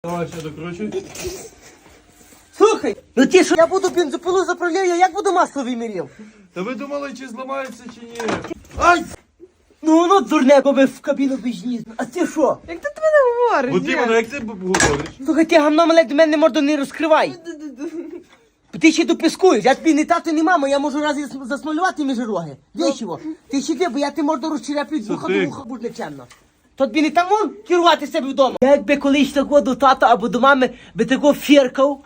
Давай ще докручуй. Слухай, ну ти що, я буду бензопилу заправляю, як буду масло виміряв? Та ви думали, чи зламається, чи ні? Ай! Ну воно дурне, бо ви в кабіну біжні. А ти що? Як ти до мене говориш? От іменно, як ти говориш? Слухай, ти гамно мале до мене морду не розкривай. Ти ще допискуєш, я тобі не тато, не мама, я можу раз засмалювати між роги. Вічого. Ти ще де, бо я ти морду розчеряплю з вуха до вуха, будь нечемно. То тобі не там вон керувати себе вдома. Я якби колись такого до тата або до мами би такого фіркав,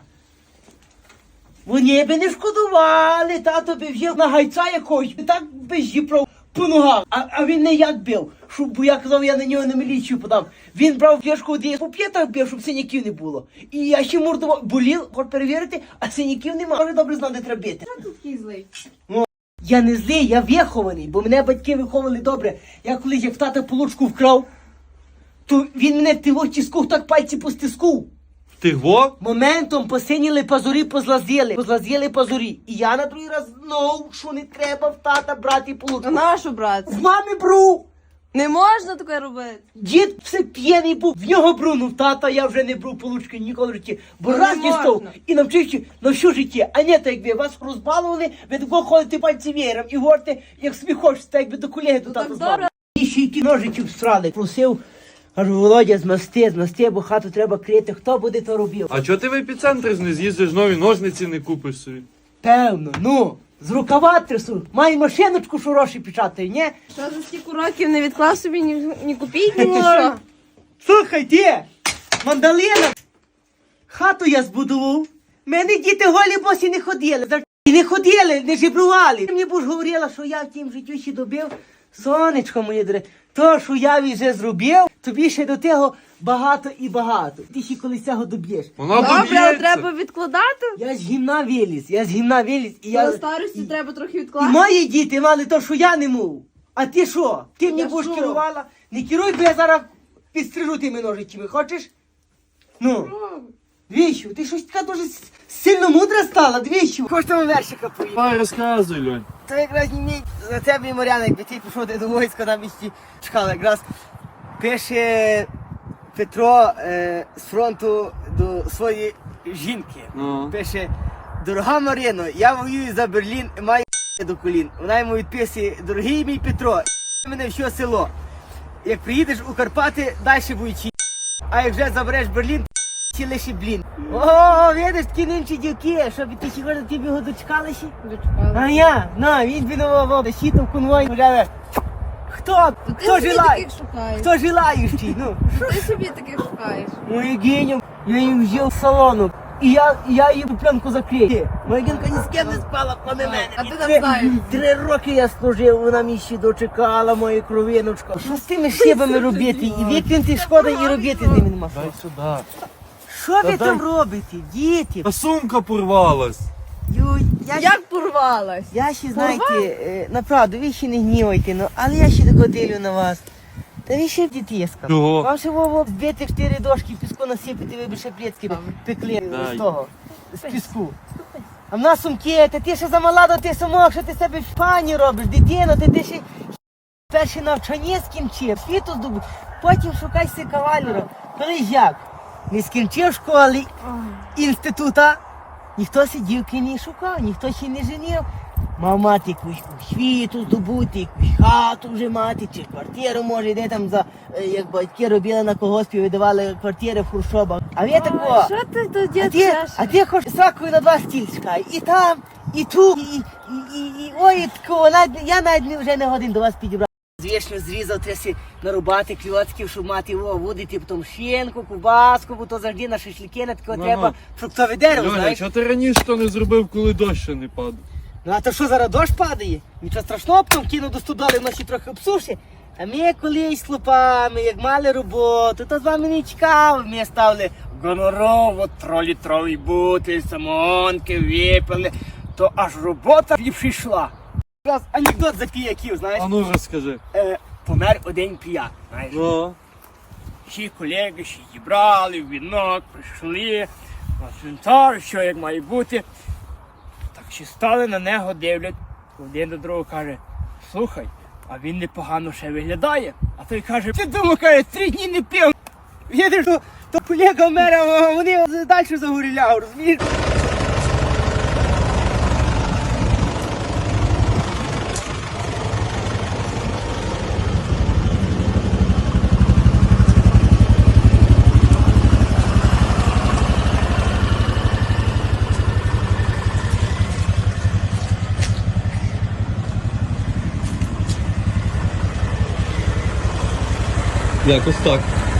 вони би не шкодували, тато би взяв на гайця якогось, і так би зіправ по ногах. А він не як бив, бо я казав, я на нього на міліцію подам. Він брав фляжку десь по п'ятах бив, щоб синяків не було. І я ще мордував, болів, хоч перевірити, а синяків нема. Дуже добре знав, де треба бити. Ти такий злий. Я не злий, я вихований, бо мене батьки виховали добре. Я колись як в тата получку вкрав, то він мене в тило тискав, так пальці постискав. Ти во? Моментом посиніли пазурі, позлазіли пазурі. І я на другий раз знов, що не треба в тата брати А получку. нашу, брат? З мами бру. Не можна таке робити. Дід все п'єний був, в нього бру, ну в тата я вже не бру получки ніколи в житті. Бо Ну, раз не дістав можна. і навчився на всю життя. А не так, якби вас розбалували, ви такого ходите пальці веєром і говорите, як собі хочете, так якби до колеги до Ну, тата так знали. добре. І ще й ножичів всрали. Просив, кажу, Володя, змасти, бо хату треба крити. Хто буде, то робив. А чого ти в епіцентр не з'їздиш, нові ножниці не купиш собі? Певно, ну, з рукава трясу. Маю машиночку, що гроші печатає, ні? Що за стільки років не відклав собі ні копійки, ні що? Слухай, ти, мандалина, хату я збудував. Мене діти голі босі не ходили. І не ходили, не жебрували. Ти мені будеш говорила, що я в тім життю ще добив. Сонечко моє дороге, то, що я вже зробив, тобі ще до того багато і багато. Ти ще колись цього доб'єш. Вона Добре, але доб'ється. треба відкладати. Я з гімна виліз, і я... До старості треба трохи І відкласти. мої діти мали то, що я не мов. А ти що? Ти мені Я будеш що? керувала? Не керуй, бо я зараз підстрижу тими ножичами, хочеш? Ну, двічі, ти щось така дуже сильно мудра стала, двічі. Хочеш там вершика поїхати? Давай розказуй, Льонь. То якраз не мій за тебе, Мар'яна, якби ти пішов до війська, там іще чекала. Якраз пише Петро з фронту до своєї жінки. Ну. Пише: дорога Мар'яно, я воюю за Берлін і маю до колін. Вона йому відписує: дорогий мій Петро, мене все село. Як приїдеш у Карпати, далі буючи. А як вже забереш Берлін, ті лише блін. О, видиш, такі нинчі дівки, щоб ти ще ті б його дочекали ще? Дочекала. А я, на, він бінував, щитав конвой, гуляє. Хто? Ти Хто собі желає? таких шукаєш. Хто желаючий? Ну, Ти собі таких шукаєш. мою геню, я їм взяв салону. І я її пленку закрив. Моя гінка ні з ким не спала, кроме мене. А ти І там знаєш. 3 роки я служив, вона мені ще дочекала, моя кровиночка. Що з тими шибами робити? І викинути шкода, і робити з ними нема. Дай сюди. Що ви Та там дай. робите, діти? А сумка порвалась. Юй, Як порвалась? Я ще, знаєте, направду, ви ще не гнівайте, ну, але я ще тако дивлю на вас. Та ви ще дітєска. Чого? Вам ще вово збити 4 дошки, піску насипати, ви б ще плєцки пекли Дай. з того, з піску. А в нас сумки, та ти ще замала до ти сумок, що ти себе в пані робиш, дитино, ти ще перше навчання скінчив, світу здобув, потім шукай си кавалера. Коли ж як? Не скінчив школи, інститута, ніхто си дівки не шукав, ніхто ще не женив. Мав мати якусь освіту здобути, якусь хату вже мати, чи квартиру може, де там за, як батьки робили на колгоспі, видавали квартири в хуршобах. А ви тако, Що ти тут а ти хоч сракою на 2 стіль чекай. І там, і тут, і ой, такого, я навіть вже не годин до вас підібрав. Звісно, зрізав, треба нарубати кльоцків, щоб мати водити, потім шинку, кубаску, бо то завжди на шашлики, на такого треба фруктове дерево, Льоня, знаєш. чого ти раніше то не зробив, коли дощ ще не падав? Ну а то що, зараз дощ падає? Нічого страшного, потім кину до стодоли, воно ще трохи обсушить. А ми колись з хлопами, як мали роботу, то з вами не чекав. Ми ставили гонорову 3-літровий бутиль, самогонки, випили, то аж робота і прийшла. Раз анекдот за піяків, знаєш. А ну розкажи. Помер один піяк, знаєш. Ну. Всі колеги ще зібрали, вінок, прийшли, на цвинтар, що як має бути. Так ще стали на нього, дивлять, один до другого каже: слухай, а він непогано ще виглядає. А той каже: ти думав, каже, 3 дні не пив. Видиш, То колега мера, вони далі загоріля, розумієш? Якось так.